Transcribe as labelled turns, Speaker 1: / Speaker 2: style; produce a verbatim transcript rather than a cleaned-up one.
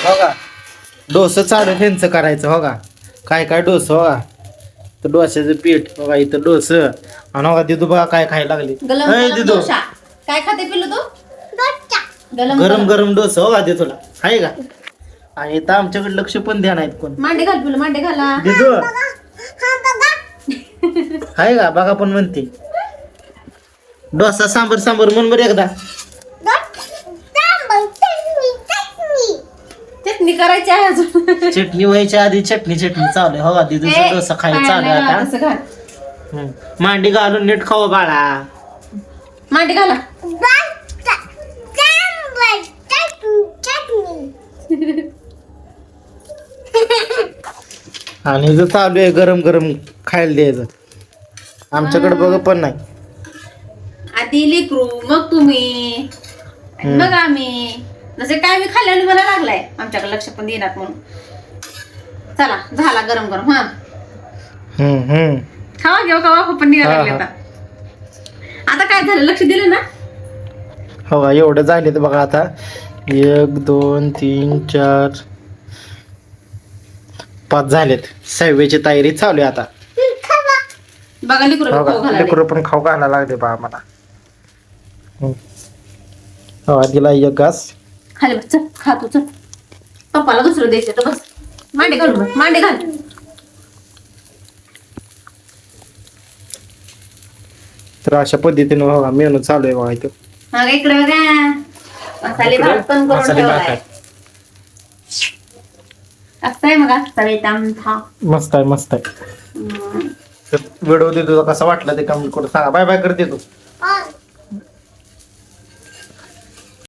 Speaker 1: हो का डोसं चालू ह्यांचं करायचं हो का काय काय डोसं हो का तर डोस्याचं पीठ बघा इथं डोसं आणि हो का दिदू बघा काय खायला लागली
Speaker 2: गलम
Speaker 1: अय
Speaker 2: गलम
Speaker 1: दिदू
Speaker 2: डोसा काय खाते पिल्लू तू गलम
Speaker 1: गरम गरम डोसं हो का दे तुला आहे का आणि इथं आमच्याकडे लक्ष पण द्या नाहीत कोण
Speaker 2: मांडे घाल पिल्लू मांडे घाला
Speaker 1: दिदू आहे का बघा पण म्हणते डोसा सांबर सांबर म्हण बरं एकदा
Speaker 2: चटणी करायची आहे अजून
Speaker 1: चटणी व्हायच्या आधी चटणी चटणी चालू आहे हो का दिदूचा
Speaker 2: ए,
Speaker 1: डोसा खायला
Speaker 2: पायाला
Speaker 1: चालू आहे
Speaker 2: लावा
Speaker 1: आता
Speaker 2: तसं घाल.
Speaker 1: हम्म. मांडी घालून नीट खाऊ बाळा
Speaker 2: मांडे घाला
Speaker 1: आणि जर चालू आहे गरम गरम खायला द्यायचं आमच्याकडे बघ पण नाही
Speaker 2: आधी लेकरू मग तुम्ही मग आम्ही जसे काय मी खाल्ल्याने मला लागलाय आमच्याकडे लक्ष पण देणार म्हणून चला झाला गरम गरम हा
Speaker 1: हम्म हम्म
Speaker 2: खावा घेऊ खावा पण निघायला
Speaker 1: हा,
Speaker 2: लागले
Speaker 1: हा.
Speaker 2: आता आता काय झालं लक्ष दिलं ना
Speaker 1: हो का एवढं झाले तर बघा आता एक दोन तीन चार पाच झालेत सहाव्याची तयारी चालू आहे आता
Speaker 2: बघा लेकरू
Speaker 1: हो
Speaker 2: खाऊ
Speaker 1: का
Speaker 2: घालायला.
Speaker 1: लेकरं पण खाऊ घालायला लागले बा आम्हाला हम्म. हो दिला एक घास
Speaker 2: खाली बस चल खा तू चल पप्पाला दुसरं द्यायचं तर बस मांडे घाल बस मांडे घाल
Speaker 1: तर अशा पद्धतीने बघा मेनू चालू आहे बघा इथं
Speaker 2: मग इकडे बघा मसाले भात पण करून
Speaker 1: मसाले भात
Speaker 2: ठेवलाय
Speaker 1: आहे.
Speaker 2: असं आहे मग असं आमथा
Speaker 1: मस्त आहे मस्त आहे व्हिडिओ देतो कसा वाटला ते कमेंट करून सांगा बाय बाय करते तू